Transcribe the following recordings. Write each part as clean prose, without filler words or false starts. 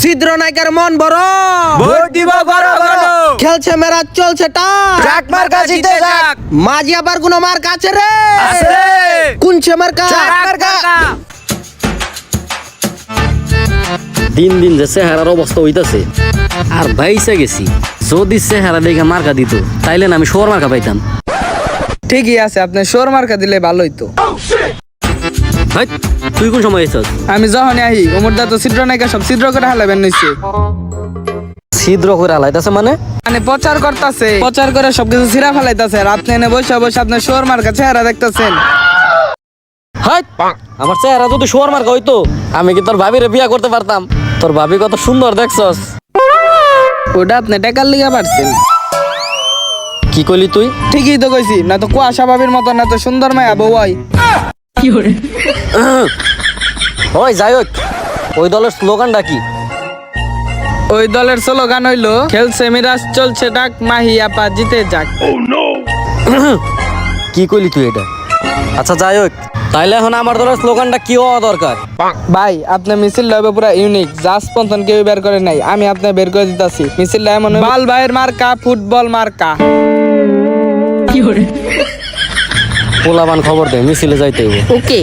ছিদ্র নায়িকার মন বড়, ভোট দিব গণ গণ। খেলছে মেরা চলছে টাক, ট্রাক মার্কা জিতে যাক। মাঝি আবার কোন মার কাছে রে, আছে রে। কোনছে মার্কা? ট্রাক মার্কা। দিন দিন যে চেহারার অবস্থা হইতাছে আর ভাইসা গেছি। যদি চেহারা দেখে মার্কা দিত তাইলে না আমি শোর মার্কা পাইতাম। ঠিকই আছে, আপনি সোর মার্কা দিলে ভালো হইতো। হাই, তুই কোন সময় এসেছ? আমি যখন আহি উমরদা তো ছিদ্র নায়িকা সব ছিদ্র করে হালাবেন নিচ্ছে, ছিদ্র করে আলাইতাছে মানে? মানে প্রচার করতেছে, প্রচার করে সবকিছু ছিঁড়া ফেলাইতেছে। আর আপনি এনে বসে বসে আপনার সোর মার্কা চেহারা দেখতেছেন। হাই, আমার চেহারা যদি শোর মার্কা হইতো আমি কি তোর ভাবিরে বিয়া করতে পারতাম? তোর ভাবি কত সুন্দর দেখছস। ওটা আপনি টাকার লিগা পারছেন। কি কইলি তুই? ঠিকই তো কইছি, না তো কুয়াশা ভাবির মতো না তো সুন্দর মায়া বউ হয়। ওই যাই হোক, ওই দলের স্লোগানটা কি? ওই দলের স্লোগান হইলো খেলছে মিরাজ চলছে ডাক, মাহি আপা জিতে যাক। কি কইলি তুই এটা? আচ্ছা যাই হোক, তাইলে এখন আমার দলের স্লোগানটা কি হওয়া দরকার? ভাই আপনার মিছিল হবে পুরা ইউনিক, যা স্পন্দন কেউ বের করে নাই, আমি আপনার বের করে দিতেছি। মিছিলটা এমন হইবো, বাল ভাইয়ের মার্কা ফুটবল মার্কা। পোলাবান খবর দে, মিছিলে যাইতে হইব। ওকে।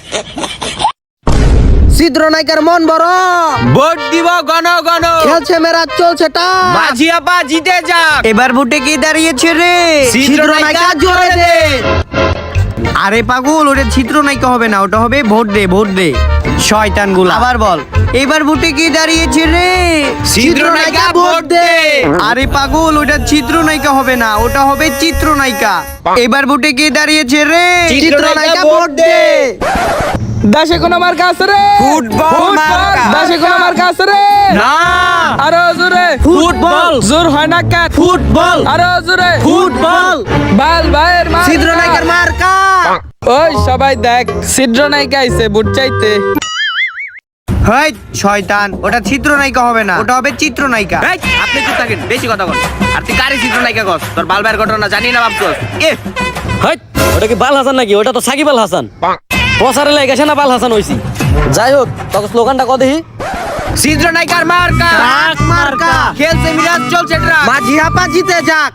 ছিদ্র নায়িকার মন বড়, ভোট দিব গণ গণ। খেলছে মেরা চলছে টাক, মাঝি আপা জিতে যাক। এবার ভোটে কি দাঁড়িয়েছে রে? ছিদ্র নায়িকা জোরে দে। আরে পাগল, ওটা ছিদ্র নায়িকা হবে না, ওটা হবে ভোট দে ভোট দে। শয়তান গুলা, আবার বল। এবার ভোটে কি দাঁড়িয়েছে রে? ছিদ্র নায়িকা ভোট দে। আরে পাগল, ওটা ছিদ্র নায়িকা হবে না, ওটা হবে চিত্র নায়িকা। এবার ভোটে কি দাঁড়িয়েছে রে? চিত্র নায়িকা ভোট দে। দাসে কোন মার্কা আছে রে? ফুটবল মার্কা। দাসে কোন মার্কা আছে রে? না। আরো জোরে ফুটবল। জোর হয় না কেন? ফুটবল। আরো জোরে ফুটবল। বাল ভাইয়ের মার্কা। ছিদ্র নায়িকার মার্কা। ওই সবাই দেখ, ছিদ্র নায়িকা আইছে ভোট চাইতে। হেই শয়তান, ওটা ছিদ্র নায়িকা হবে না, ওটা হবে চিত্র নায়িকা। এই, আপনি চুপ থাকেন, বেশি কথা বল। আর তুই কারে চিত্র নায়িকা কস? তোর বালবার ঘটনা জানি না ভাবছস। হাই, ওটা কি বাল হাসান নাকি? ওটা তো সাকিব আল হাসান। প্রচারে লেগেছে না বাল হাসান হইছি। যাই হোক, তোকে স্লোগানটা কত দেখি? ছিদ্র নায়িকার মার্কা। ট্রাক মার্কা। খেলছে মিরাজ চলছে ট্রাক। মাঝি আপা জিতে যাক।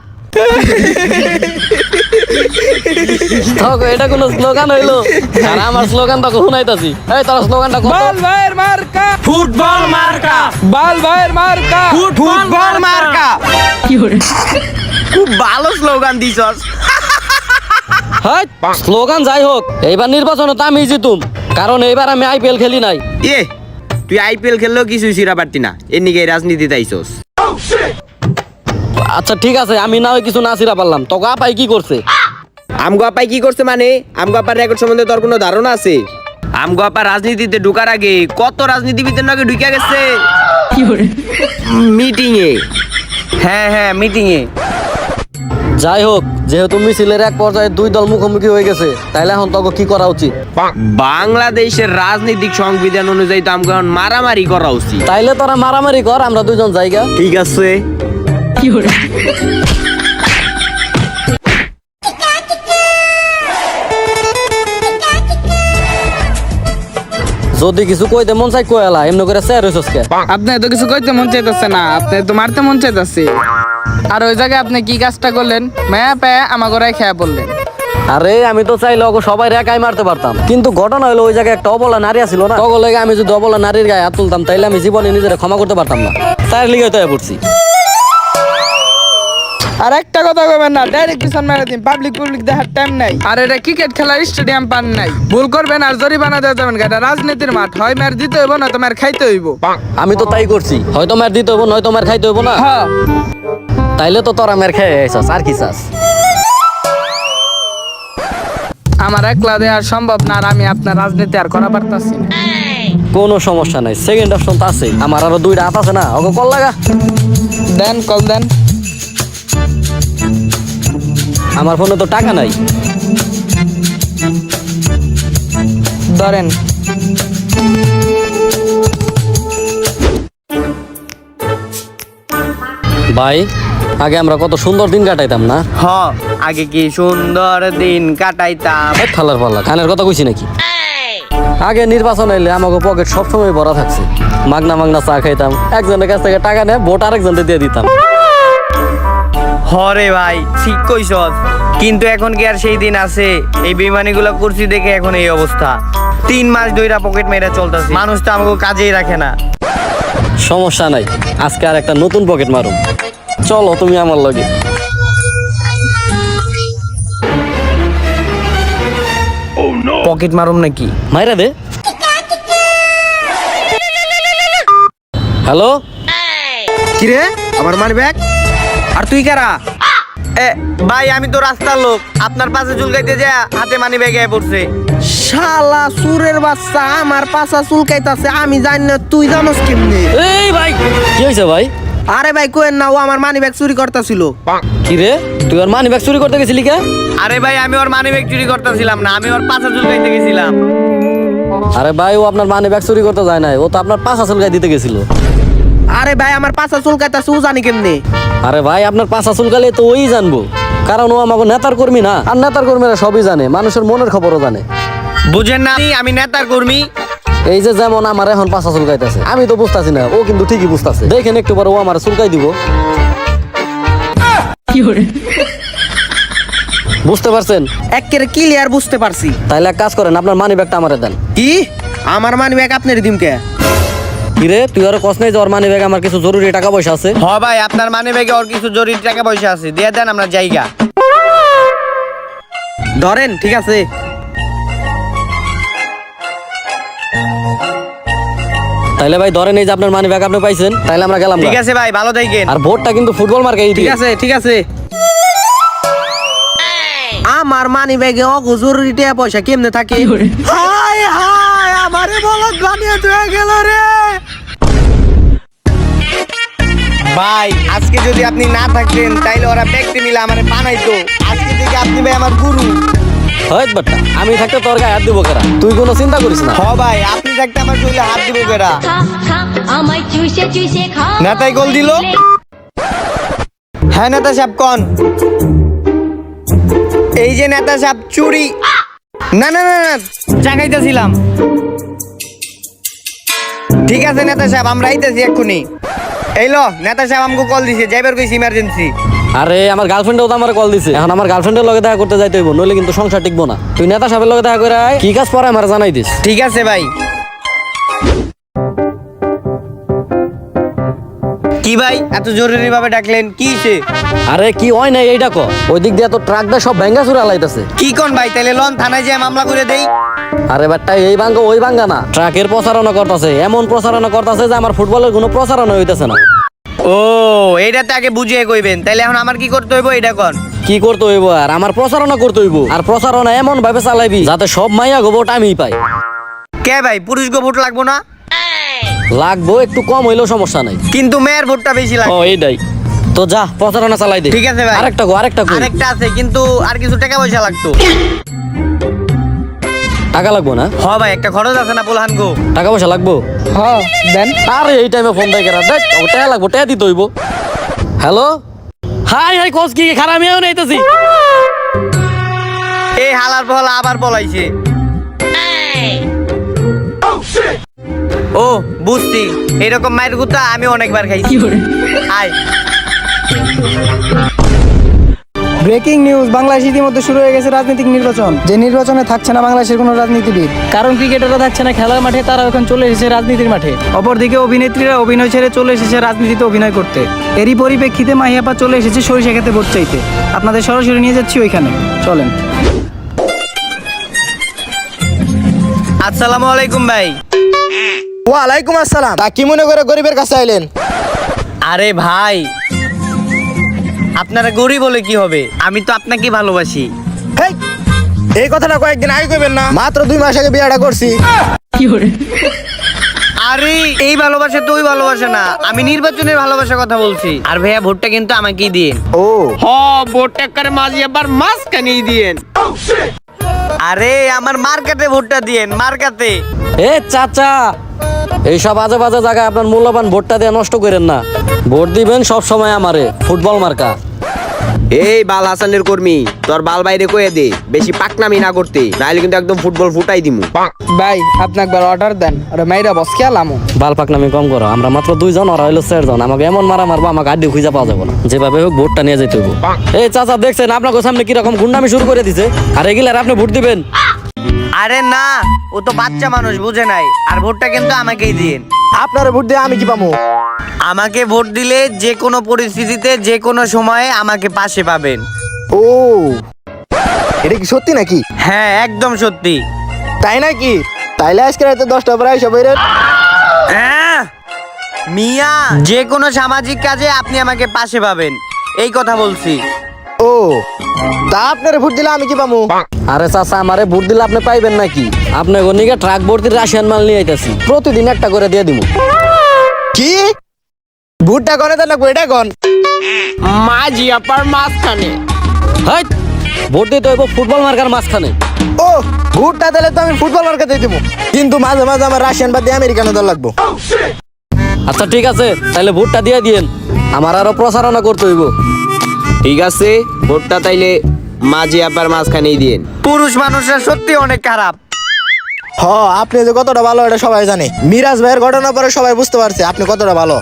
তোকে এটা কোন স্লোগান হইলো? আর আমার স্লোগান তো শুনাইতাছি। এই তোর স্লোগানটা কত? বাল ভাইয়ের মার্কা ফুটবল মার্কা। বাল ভাইয়ের মার্কা ফুটবল মার্কা। খুব ভালো স্লোগান দিছস। হাই, স্লোগান যাই হোক, এইবার নির্বাচনে তো আমি জিতুম, কারণ এইবার আমি আইপিএল খেলি নাই। তুই আইপিএল খেললেও কিছুই ছিড়া পারতি না, এর নিকে রাজনীতিতে আইছস। আচ্ছা ঠিক আছে, আমি না হয় কিছু না ছিড়া পারলাম, তোকে আপাই কি করছে? আমগো আপাই কি করছে মানে? আমগো আপার রেকর্ড সম্বন্ধে তোর কোনো ধারণা আছে? আমগো আপা রাজনীতিতে ঢুকার আগে কত রাজনীতিবিদের নাকি ঢুকে গেছে মিটিং এ। হ্যাঁ মিটিং এ। যাই হোক, যেহেতু মিছিলের এক পর্যায়ে দুই দল মুখোমুখি হয়ে গেছে, তাইলে এখন তোকে কি করা উচিত? বাংলাদেশের রাজনৈতিক সংবিধান অনুযায়ী তো আমগো এখন মারামারি করা উচিত। তাইলে তোরা মারামারি কর, আমরা দুইজন জায়গা। ঠিক আছে। যদি কিছু কইতে মন চাই কইলা, এমনি করে স্যার হইছস কে? আপনি তো কিছু কইতে মন চাইতেছে না, আপনি তো মারতে মন চাইতেছে। আর ওই জায়গায় আপনি কি কাজটা করলেন? মায়া পায়া আমার ঘরে খেয়া পড়লেন। আরে আমি তো চাইলে ওকে সবাই একাই মারতে পারতাম, কিন্তু ঘটনা হলো ওই জায়গায় একটা অবলা নারী আছিল না। তখন লাগে আমি যদি অবলা নারীর গায়ে হাত তুলতাম তাইলে আমি জীবনে নিজের ক্ষমা করতে পারতাম না, তার লিগে তো পড়ছি। আর একটা কথা কইবেন না, ডাইরেক্ট পিছন মেরে দিন, পাবলিক দেখার টাইম নাই। আর এটা ক্রিকেট খেলার স্টেডিয়াম পান নাই, ভুল করবেন আর জরিমানা দেওয়া যাবেন। এটা রাজনীতির মাঠ, হয় মার দিতে হইব না তোমার খাইতে হইব। আমি তো তাই করছি, হয়তো মার দিতে হইব নয়তো মার খাইতে হইব না। হ্যাঁ, তাইলে তো তোরা মার খেয়ে আইছস, আর কি চাস? আমার একলা দেওয়া সম্ভব না, আর আমি আপনার রাজনীতি আর করা পারতাছি না। কোনো সমস্যা নাই, সেকেন্ড অপশন তো আছে। আমার আরো দুইটা হাত আছে না, ওকে কল লাগা। দেন কল দেন। আমার ফোনে তো টাকা নাই। ধরেন। ভাই, আগে আমরা কত সুন্দর দিন কাটাইতাম না? আগে কি সুন্দর দিন কাটাইতাম। থালার পাল্লা কানের কথা কইছি নাকি? আগে নির্বাচন এলে আমাকে পকেট সবসময় ভরা থাকছে, মাগনা মাগনা চা খাইতাম, একজনের কাছ থেকে টাকা নিয়ে ভোট আরেকজনকে দিয়ে দিতাম। হরে ভাই ঠিক কইছস, কিন্তু এখন কি আর সেই দিন আছে? এই বেমানিগুলো করছি দেখে এখন এই অবস্থা। 3 মাস ধইরা পকেট মেরা চলতেছে, মানুষ তো আমাকে কাজেই রাখে না। সমস্যা নাই, আজকে আর একটা নতুন পকেট মারুম, চলো তুমি আমার লগে। পকেট মারুম নাকি? মাইরা দে। হ্যালো, কিরে আমার মানি ব্যাগ? আর তুই কারা? ভাই আমি তো রাস্তার লোক, আপনার পাশে চুলকাইতে যা হাতে মানি ব্যাগ এ পড়ছে। শালা সুরের বাচ্চা, আমার পাছা চুলকাইতাছে, আমি জানি না, তুই জানোস কেমনে? এই ভাই কি হয়েছে ভাই? আরে ভাই কোয়েন না, ও আমার মানি ব্যাগ চুরি করতেছিল। কি রে, তুই ওর মানি ব্যাগ চুরি করতে গেছিলি কে? আরে ভাই আমি ওর মানি ব্যাগ চুরি করতেছিলাম না, আমি ওর পাশে চুলকাইতে গেছিলাম। আরে ভাই, ও আপনার মানি ব্যাগ চুরি করতে যায় নাই, ও তো আপনার পাছা চুলকাই দিতে গেছিল। আরে ভাই আমার পাছা চুলকাইতাছে, ও জানি কেমনে? আরে ভাই, আপনার পাছা চুলকালে তো ওই জানবো, কারণ ও আমাকে নেতার কর্মী না, আর নেতার কর্মীরা সবই জানে, মানুষের মনের খবরও জানে। বুঝেন না আমি নেতার কর্মী? এই যে যেমন আমার এখন পাছা চুলকাইতেছে, আমি তো বুঝতাছি না, ও কিন্তু ঠিকই বুঝতাছে। দেখেন একটু পরে ও আমার চুলকাই দিব। বুঝতে পারছেন? একেবারে ক্লিয়ার বুঝতে পারছি। তাইলে এক কাজ করেন, আপনার মানি ব্যাগটা আমারে দেন। কি আমার মানি ব্যাগ আপনার দিমকে? কিরে, তুই আর কস নাই যে ওর মানি ব্যাগ আমার কিছু জরুরি টাকা পয়সা আছে? হ ভাই আপনার মানি ব্যাগে ওর কিছু জরুরি টাকা পয়সা আছে, দিয়ে দেন আমরা জায়গা। ধরেন, ঠিক আছে। তাইলে ভাই ধরেন, এই যে আপনার মানি ব্যাগ আপনি পাইছেন, তাইলে আমরা গেলাম। ঠিক আছে ভাই, ভালো থাকেন। আর ভোটটা কিন্তু ফুটবল মার্কাই ঠিক আছে, ঠিক আছে। আমার মানি ব্যাগে অগো জরুরি টাকা পয়সা কেমনে থাকে? হাই হাই, আমারে বলত বানিয়ে তুই গেল রে। ভাই আজকে যদি আপনি না থাকতেন তাইলে ওরা ব্যক্তি মিলে আমার বানাইতো। আজকে থেকে আপনি ভাই আমার গুরু। হয় বাট্টা, আমি থাকতে তোর গায়ে হাত দিব কেরা? তুই কোনো চিন্তা করিস না। হ ভাই আপনি থাকতে আমার শরীরে হাত দিব কেরা? আমায় চুষে চুষে খা। নেতাই গোল দিল। হ্যাঁ নেতা সাহেব কোন? এই যে নেতা সাহেব চুরি। না না না না, জাগাইতেছিলাম। ঠিক আছে নেতা সাহেব, আমরা আইতেছি এক্ষুনি। এই লো নেতা সাহেব আমাকে কল দিছে, যাইবার কইছি ইমার্জেন্সি। আরে আমার গার্লফ্রেন্ডও তো আমার কল দিছে, এখন আমার গার্লফ্রেন্ডের লগে দেখা করতে যাইতে হইব, নইলে কিন্তু সংসার টিকবো না। তুই নেতা সাহেবের লগে দেখা করে আয়, কি কাজ পরে আমার জানাই দিস। ঠিক আছে ভাই। কি ভাই এত জরুরি ভাবে ডাকলেন, কি সে? আরে কি হয় নাই এইটা ক, ওই দিক দিয়ে তো ট্রাক দিয়ে সব ভেঙ্গা চুরে আলাইতেছে। কি কোন ভাই, তাইলে লন থানায় যেয়ে মামলা করে দেই। আরে বাট্টা, এই ভাঙ্গা ওই ভাঙ্গা না, ট্রাকের প্রচারণা করতেছে, এমন প্রচারণা করতেছে যে আমার ফুটবলের কোনো প্রচারণা হইতেছে না। ও এইটা তো আগে বুঝিয়ে কইবেন, তাইলে এখন আমার কি করতে হইব এটা কোন? কি করতে হইব? আর আমার প্রচারণা করতে হইব, আর প্রচারণা এমন ভাবে চালাইবি যাতে সব মাইয়া গোবট আমি পাই। কে ভাই পুরুষ গো ভোট লাগবো না? লাগবো, একটু কম হইলেও সমস্যা নাই, কিন্তু মেয়ের ভোটটা বেশি ও লাগবে। এইটাই তো, যা প্রচারণা চালাই দে। ঠিক আছে ভাই। আরেকটা গো, আরেকটা গো। আরেকটা আছে, কিন্তু আর কিছু টাকা পয়সা লাগতো। টাকা লাগবো না? হ ভাই একটা খরচ আছে না পোলহান গো। টাকা পয়সা লাগবো? হ্যাঁ দেন। আরে এই টাইমে ফোন দেয় কেরা? দেখ টাকা লাগবো, টাকা দিতে হইব। হ্যালো, হাই হাই, কোচ কি খারাপ আমিও নাইতেছি। এই হালার বহলা আবার বলাইছে। ও বুঝছি, এরকম মায়ের গুতা আমি অনেকবার খাইছি। আয় ব্রেকিং নিউজ, বাংলাদেশ ইতিমধ্যে শুরু হয়ে গেছে রাজনৈতিক নির্বাচন। যে নির্বাচনে থাকছে না বাংলাদেশের কোনো রাজনীতিবিদ, কারণ ক্রিকেটাররা থাকছে না খেলার মাঠে, তারা এখন চলে এসেছে রাজনীতির মাঠে। অপরদিকে অভিনেত্রীরা অভিনয় ছেড়ে চলে এসেছে রাজনীতিতে অভিনয় করতে। এরই পরিপ্রেক্ষিতে মাহিয়াপা চলে এসেছে সরিষা খেতে ভোট চাইতে। আপনাদের সরাসরি নিয়ে যাচ্ছি ওইখানে, চলেন। আসসালামু আলাইকুম ভাই। ওয়ালাইকুম আসসালাম। তা কি মনে করে গরিবের কাছে আইলেন? আরে ভাই আপনারা গরিব বলে কি হবে, আমি তো আপনাকে ভালোবাসি। হেই, এই কথাটা কয়েকদিন আগে কইবেন না? মাত্র 2 মাস আগে বিয়েটা করছি। আরে এই ভালোবাসা তো ওই ভালোবাসা না, আমি নির্বাচনের ভালোবাসার কথা বলছি। আর ভাইয়া ভোটটা কিন্তু আমাকেই দিন। ও হ ভোটটা করে মাঝি আবার মাঝখানেই দিয়েন। আরে আমার মার্কেটে ভোটটা দিয়েন, মার্কেটে। এ চাচা, এইসব আজে বাজে জায়গায় আপনার মূল্যবান ভোটটা দিয়ে নষ্ট করেন না। ভোট দিবেন সব সময় আমারে, ফুটবল মার্কা। এই বাল হাসানের কর্মী, তোর বাল বাইরে কয়ে দে, বেশি পাকনামি না করতে, নাহলে কিন্তু একদম ফুটবল ফুটাই দিমু। ভাই আপনি একবার অর্ডার দেন, ওরা মাইরা বস খেলামো। বাল পাকনামি কম করো, আমরা মাত্র 2 জন, ওরা হইলো 4 জন। আমাকে এমন মারা মারবো, আমাকে আড্ডি খুঁজে পাওয়া যাবে না। যেভাবে হোক ভোটটা নিয়ে যেতে হইব। এই চাচা দেখছেন আপনাকে সামনে কিরকম গুন্ডামি শুরু করে দিছে, আর এগুলার আপনি ভোট দিবেন? আরে না, ও তো বাচ্চা মানুষ, বুঝে নাই। আর ভোটটা কিন্তু আমাকেই দিন। আপনার ভোট দিয়ে আমি কি পাবো? আমাকে ভোট দিলে যে কোনো পরিস্থিতিতে যে কোনো সময়ে আমাকে পাশে পাবেন। ও, এটা কি সত্যি নাকি? হ্যাঁ, একদম সত্যি। তাই নাকি? তাইলে আজকে রাতে 10টা পরে আইসা বইরেন। মিয়া, যে কোনো সামাজিক কাজে আপনি আমাকে পাশে পাবেন, এই কথা বলছি। ও, তা আপনার ভোট দিলে আমি কি পাবো? আরে চাচা, আমারে ভোট দিলে আপনি পাইবেন নাকি? আপনি গনিকে ট্রাক ভর্তি রাশিয়ান মাল নিয়ে আইতাছি, প্রতিদিন একটা করে দিয়ে দিব। কি ভোটটা করে দেন লাগবো? এটা কোন মাঝি আপার মাঝখানে? হাই, ভোট দিতে হইব ফুটবল মার্কার মাঝখানে। ও, ভোটটা দিলে তো আমি ফুটবল মার্কা দিয়ে দেবো, কিন্তু মাঝে মাঝে আমার রাশিয়ান বাদ দিয়ে আমেরিকানো দল লাগবো। আচ্ছা ঠিক আছে, তাহলে ভোটটা দিয়ে দিয়েন, আমার আরো প্রচারণা করতে হইব। ঠিক আছে, ভোটটা তাইলে মাঝি আপার মাঝখানেই দিন। পুরুষ মানুষরা সত্যি অনেক খারাপ। হ, আপনি যে কতটা ভালো এটা সবাই জানে। মিরাজ ভাইয়ের ঘটনা পরে সবাই বুঝতে পারছে আপনি কতটা ভালো।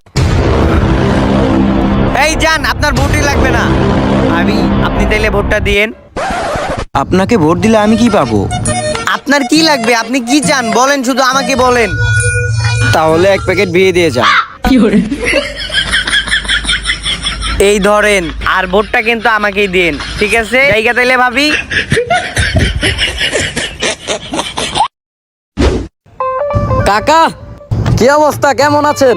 এই যান, আপনার ভোটই লাগবে না। আপনি তাইলে ভোটটা দিয়েন। আপনাকে ভোট দিলে আমি কি পাবো? আপনার কি লাগবে? আপনি কি চান বলেন, শুধু আমাকে বলেন। তাহলে 1 প্যাকেট বিয়ে দিয়ে যান। এই ধরেন, আর ভোটটা কিন্তু আমাকেই দিন, ঠিক আছে? জায়গা তাইলে ভাবি। কাকা, কি অবস্থা, কেমন আছেন?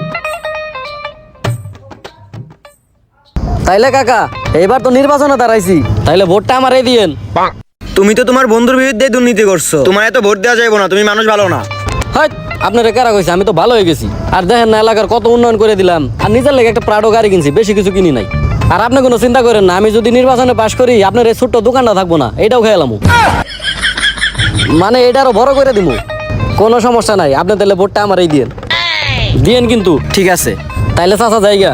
তাইলে কাকা, এইবার তো নির্বাচনে দাঁড়াইছি, তাইলে ভোটটা আমারই দিয়েন। তুমি তো তোমার বন্ধুর বিরুদ্ধে দুর্নীতি করছো, তোমার এত ভোট দেওয়া যাবে না, তুমি মানুষ ভালো না। হাই, আপনারা কারা কইছে? আমি তো ভালো হয়ে গেছি। আর দেখেন না, এলাকার কত উন্নয়ন করে দিলাম, আর নিজের লেগে একটা প্রাডো গাড়ি কিনছি, বেশি কিছু কিনি নাই। আর আপনি কোনো চিন্তা করেন না, আমি যদি নির্বাচনে পাশ করি, আপনার এই ছোট্ট দোকানটা থাকবো না, এটাও খেয়ালাম, মানে এটারও বড় করে দিব। কোনো সমস্যা নাই, আপনি তাহলে ভোটটা আমারই দিয়েন, দিয়েন কিন্তু। ঠিক আছে। তাইলে চাচা জায়গা।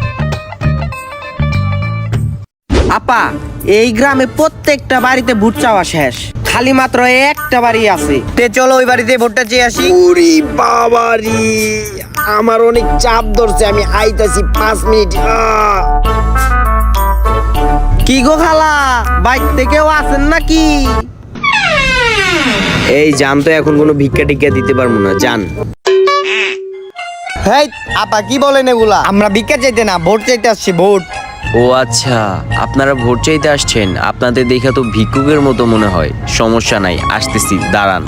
আপা, এই গ্রামে প্রত্যেকটা বাড়িতে ভোট চাওয়া শেষ, খালি মাত্র একটা বাড়ি আছে। তে চলো ওই বাড়িতে ভোটটা চেয়ে আসি। ওরে বাবারি, আমার অনেক চাপ ধরছে, আমি আইতাছি 5 মিনিট। কি গো খালা, বাইক থেকেও আছেন নাকি? এই জান, তো এখন কোনো ভিক্ষা টিক্ষা দিতে পারবো না, জান। হেই আপা, কি বলেন এগুলা? আমরা ভিক্ষা চাইতে না, ভোট চাইতে আসছি, ভোট। ও আচ্ছা, আপনারা ভোট চাইতে আসছেন, আপনাদের দেখা তো ভিক্ষুকের মতো মনে হয়। সমস্যা নাই, আসতেছি, দাঁড়ান।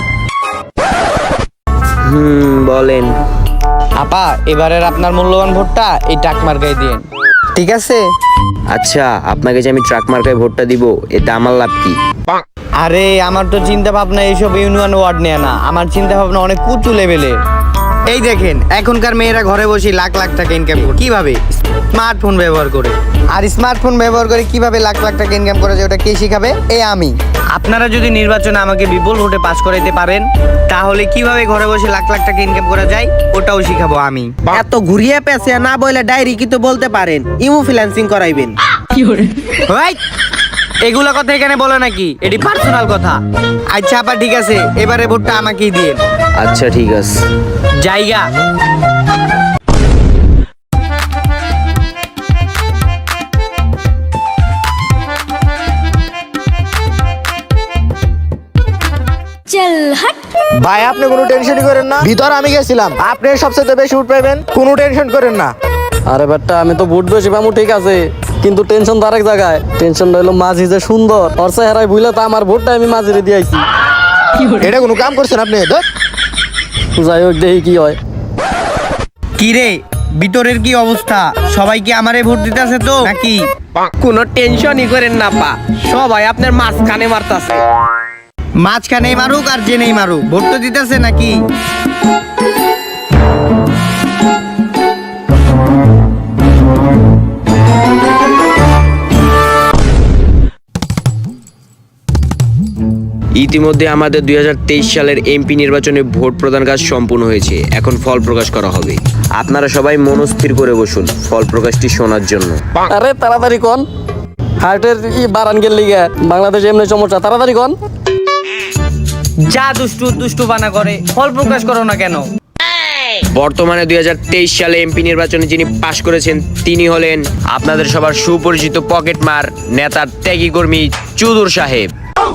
বলেন। আপা, এবারের আপনার মূল্যবান ভোটটা এই টাক মার্কায় দিন, ঠিক আছে? আচ্ছা, আপনাকে যে আমি ট্রাক মার্কায় ভোটটা দিব, এতে আমার লাভ কি? আরে, আমার তো চিন্তা ভাবনা এইসব ইউনিয়ন ওয়ার্ড নিয়ে না, আমার চিন্তা ভাবনা অনেক উঁচু লেভেলের। এই দেখেন, এখনকার মেয়েরা ঘরে বসে লাখ লাখ টাকা ইনকাম করে, কিভাবে? স্মার্টফোন ব্যবহার করে। আর স্মার্টফোন ব্যবহার করে কিভাবে লাখ লাখ টাকা ইনকাম করা যায়, ওটা কে শিখাবে? আমি। আপনারা যদি নির্বাচনে আমাকে বিপুল ভোটে পাস করাইতে পারেন, তাহলে কিভাবে ঘরে বসে লাখ লাখ টাকা ইনকাম করা যায়, ওটাও শিখাবো আমি। এত ঘুরিয়ে পেঁচিয়ে না বলে ডায়েরি কি তো বলতে পারেন, ইমো ফ্রিল্যান্সিং করাইবেন। ভাই, এগুলা কথা এখানে বলে নাকি? এটি পার্সোনাল কথা। আচ্ছা আপা, ঠিক আছে, এবারে ভোটটা আমাকেই দিন। আচ্ছা ঠিক আছে। জায়গা। চল হট। ভাই, আপনি কোনো টেনশনই করেন না, ভিতর আমি গেছিলাম, আপনি সবচেয়ে বেশি উঠ পাইবেন, কোনো টেনশন করেন না। আরে বেটা, আমি তো ভোট বেশি পাবো ঠিক আছে, কিন্তু টেনশন তো আরেক জায়গায়। টেনশন রইলো মাঝি যে সুন্দর, ওর চেহারায় বুঝলে তো আমার ভোটটা আমি মাঝিরে দিয়েছি। এটা কোনো কাম করছেন আপনি? যাই হোক, দেখি কি হয়। কি রে, ভিতরের কি অবস্থা? সবাই কি আমারে ভোট দিতেছে তো নাকি? কোনো টেনশনই করেন না পা, সবাই আপনার মাঝখানে মারতাছে। মাঝখানে মারুক আর জেনেই মারুক, ভোট তো দিতেছে নাকি? ইতিমধ্যে আমাদের 2023 সালের এমপি নির্বাচনে ভোট প্রদান কাজ সম্পূর্ণ হয়েছে। এখন ফল প্রকাশ করা হবে। আপনারা সবাই মনস্থির করে বসুন ফল প্রকাশটি শোনার জন্য। আরে তাড়াতাড়ি কোন। হার্টের ই বারান গেল লিগে বাংলাদেশে এমনি সমস্যা তাড়াতাড়ি কন। যা দুষ্টু দুষ্টু বানা করে ফল প্রকাশ করো না কেন? বর্তমানে 2023 সালে এমপি নির্বাচনে যিনি পাশ করেছেন তিনি হলেন আপনাদের সবার সুপরিচিত পকেটমার নেতা ত্যাগী কর্মী চুদুর সাহেব।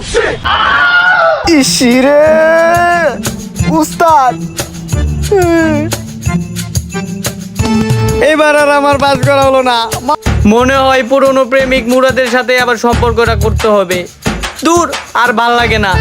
ইসিরে উস্তাদ, এবার আর আমার পাস করা হলো না। মনে হয় পুরনো প্রেমিক মুরাদের সাথে আবার সম্পর্কটা করতে হবে। দূর, আর ভাল লাগে না।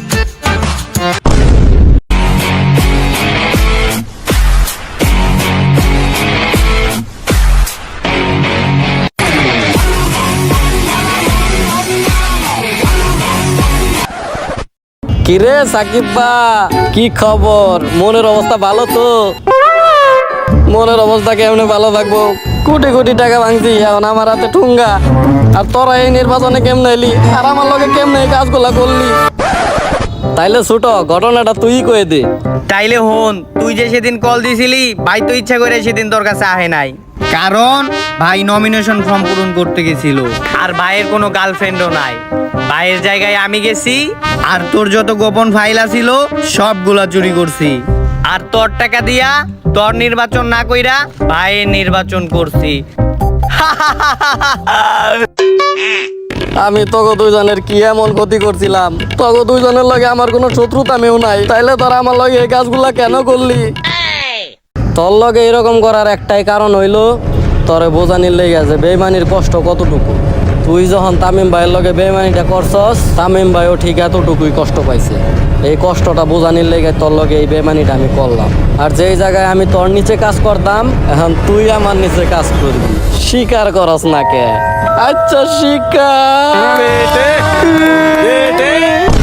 কিরে সাকিব বা, কি খবর? মনের অবস্থা ভালো তো? মনের অবস্থা কেমনে ভালো থাকবো? কোটি কোটি টাকা ভাঙছি, এখন আমার হাতে ঠুঙ্গা। আর তোরা এই নির্বাচনে কেমনে এলি, আর আমার লগে কেমনে এই কাজগুলা করলি? তাইলে ছোট ঘটনাটা তুই কয়ে দে। তাইলে হন, তুই যে সেদিন কল দিছিলি, ভাই তো ইচ্ছা করে সেদিন তোর কাছে আহে নাই। কারণ ভাই নমিনেশন ফর্ম পূরণ করতে গেছিল, আর ভাইয়ের কোনো গার্লফ্রেন্ডও নাই। ভাইয়ের জায়গায় আমি গেছি, আর তোর যত গোপন ফাইল আছিল সবগুলা চুরি করছি। আর তোর টাকা দিয়া তোর নির্বাচন না কইরা ভাইয়ের নির্বাচন করছি। আমি তোকে দুইজনের কি এমন ক্ষতি করছিলাম? তোকে দুইজনের লগে আমার কোনো শত্রুতা মেও নাই, তাইলে তোরা আমার লগে এই কাজগুলা কেন করলি? তোর লগে এরকম করার একটাই কারণ হইলো তোরে বোঝানির লেগে আছে বেইমানির কষ্ট কতটুকু। তুই যখন তামিম ভাইয়ের লগে বেইমানিটা করছস, তামিম ভাইও ঠিক এতটুকুই কষ্ট পাইছে। এই কষ্টটা বোঝানির লেগে তোর লগে এই বেইমানিটা আমি করলাম। আর যেই জায়গায় আমি তোর নিচে কাজ করতাম, এখন তুই আমার নিচে কাজ করবি। স্বীকার করস না কে? আচ্ছা স্বীকার।